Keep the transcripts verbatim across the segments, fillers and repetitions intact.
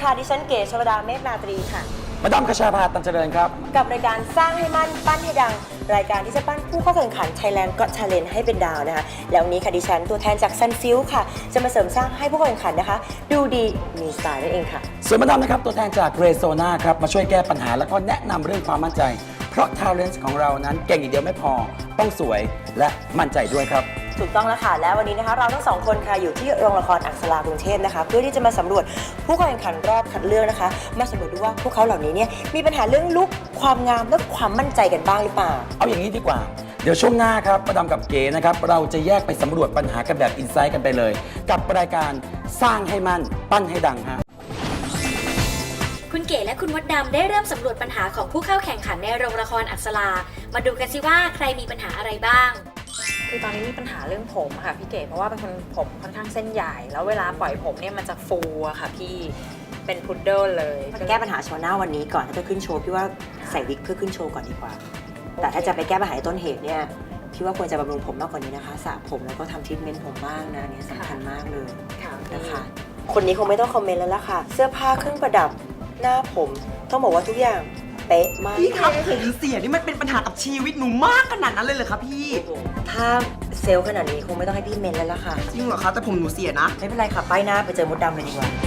ค่ะดิฉันเก๋ชวดาเมฆนาตรีค่ะมาดามคชาภาตันเจริญครับกับรายการสร้างให้มั่นปั้นให้ดังรายการที่จะปั้นผู้เข้าแข่งขัน Thailand Got Talent ให้เป็นดาวนะคะแล้ววันนี้ค่ะดิฉันตัวแทนจากซันฟิลค่ะจะมาเสริมสร้างให้ผู้เข้าแข่งขันนะคะดูดีมีสไตล์นั่นเองค่ะส่วนมาดามนะครับตัวแทนจากเรโซนาครับมาช่วยแก้ปัญหาแล้วก็แนะนำเรื่องความมั่นใจเพราะ Talent ของเรานั้นเก่งอย่างเดียวไม่พอต้องสวยและมั่นใจด้วยครับถูกต้องแล้วค่ะแล้ววันนี้นะคะเราทั้งสองคนค่ะอยู่ที่โรงละครอักษรากรุงเทพนะคะเพื่อที่จะมาสำรวจผู้เข้าแข่งขันรอบคัดเลือกนะคะมาสำรวจดูว่าพวกเขาเหล่านี้เนี่ยมีปัญหาเรื่องลุคความงามและความมั่นใจกันบ้างหรือเปล่าเอาอย่างนี้ดีกว่าเดี๋ยวช่วงหน้าครับมาดามกับเก๋นะครับเราจะแยกไปสำรวจปัญหากันแบบอินไซต์กันไปเลยกับรายการสร้างให้มั่นปั้นให้ดังฮะคุณเก๋และคุณมดดำได้เริ่มสำรวจปัญหาของผู้เข้าแข่งขันในโรงละครอักษรามาดูกันสิว่าใครมีปัญหาอะไรบ้างคือตอนนี้มีปัญหาเรื่องผมค่ะพี่เก๋เพราะว่าเป็นคนผมค่อนข้างเส้นใหญ่แล้วเวลาปล่อยผมเนี่ยมันจะฟูอะค่ะพี่เป็นพุดเดิ้ลเลยแก้ปัญหาโชว์หน้าวันนี้ก่อนถ้าจะขึ้นโชว์พี่ว่าใส่วิกเพื่อขึ้นโชว์ก่อนดีกว่าแต่ถ้าจะไปแก้ปัญหาต้นเหตุเนี่ยพี่ว่าควรจะบำรุงผมมากกว่านี้นะคะสระผมแล้วก็ทำทรีทเมนต์ผมบ้างนะนี่สำคัญมากเลยนะคะคนนี้คงไม่ต้องคอมเมนต์แล้วล่ะค่ะเสื้อผ้าเครื่องประดับหน้าผมต้องบอกว่าทุกอย่างเป๊ะมากพี่ครับผมเสียนี่มันเป็นปัญหากับชีวิตหนูมากขนาดนั้นเลยเหรอคะพี่ถ้าเซลล์ขนาดนี้คงไม่ต้องให้พี่เมนแล้วล่ะค่ะจริงเหรอคะแต่ผมหนูเสียนะไม่เป็นไรค่ะป้ายหน้าไปเจอมดดำเลยดีกว่า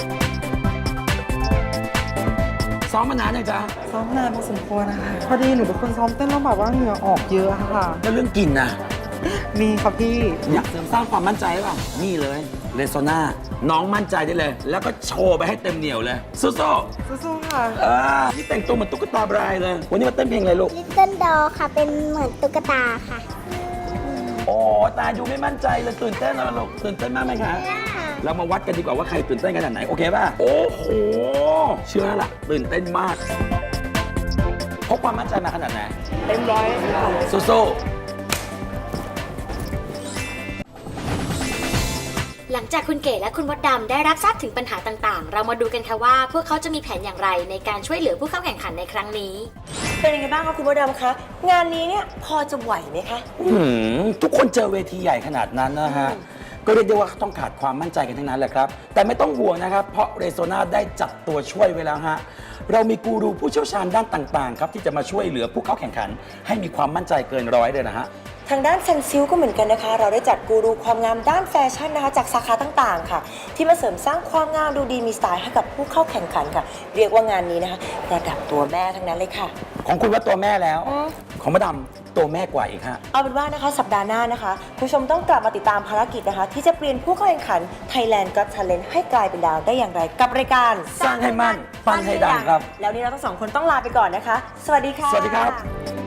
ซ้อมมานานยังจ๊ะซ้อมนานพอสมควรนะคะพอดีหนูเป็นคนซ้อมเต้นแล้วแบบว่าเหงื่อออกเยอะค่ะแล้วเรื่องกินนะมีครับพี่อยากเสริมสร้างความมั่นใจหรือเปล่านี่เลยเรโซนาน้องมั่นใจได้เลยแล้วก็โชว์ไปให้เต็มเหนียวเลยสู้ๆสู้ๆค่ะเออนี่แต่งตัวเหมือนตุ๊กตาบรายเลยวันนี้มาเต้นเพลงอะไรลูก Little Doll ค่ะเป็นเหมือนตุ๊กตาค่ะโอ้ตาดูไม่มั่นใจเลยตื่นเต้นนะลูกตื่นเต้นมากไหมคะเรามาวัดกันดีกว่าว่าใครตื่นเต้นขนาดไหนโอเคป่ะโอ้โหเชื่อแล้วล่ะตื่นเต้นมากพกความมั่นใจมาขนาดไหนเต็มร้อยสู้หลังจากคุณเก๋และคุณมดดำได้รับทราบถึงปัญหาต่างๆเรามาดูกันค่ะว่าพวกเขาจะมีแผนอย่างไรในการช่วยเหลือผู้เข้าแข่งขันในครั้งนี้เป็นยังไงบ้างคะคุณมดดำคะงานนี้เนี่ยพอจะไหวไหมคะทุกคนเจอเวทีใหญ่ขนาดนั้นนะฮะก็เรียกได้ว่าต้องขาดความมั่นใจกันทั้งนั้นแหละครับแต่ไม่ต้องห่วงนะครับเพราะเรโซนาได้จัดตัวช่วยไว้แล้วฮะเรามีกูรูผู้เชี่ยวชาญด้านต่างๆครับที่จะมาช่วยเหลือผู้เข้าแข่งขันให้มีความมั่นใจเกินร้อยเลยนะฮะทางด้านซันซิลก็เหมือนกันนะคะเราได้จัดกูรูความงามด้านแฟชั่นนะคะจากสาขาต่างๆค่ะที่มาเสริมสร้างความงามดูดีมีสไตล์ให้กับผู้เข้าแข่งขันค่ะเรียกว่างานนี้นะคะระดับตัวแม่ทั้งนั้นเลยค่ะของคุณว่าตัวแม่แล้วของมาดามตัวแม่กว่าอีกฮะเอาเป็นว่านะคะสัปดาห์หน้านะคะคุณผู้ชมต้องกลับมาติดตามภารกิจนะคะที่จะเปลี่ยนผู้เข้าแข่งขัน Thailand Got Talent ให้กลายเป็นดาวได้อย่างไรกับรายการสร้างให้มั่นปั้นให้ดังครับแล้วนี้เราทั้งสองคนต้องลาไปก่อนนะคะสวัสดีค่ะสวัสดีครับ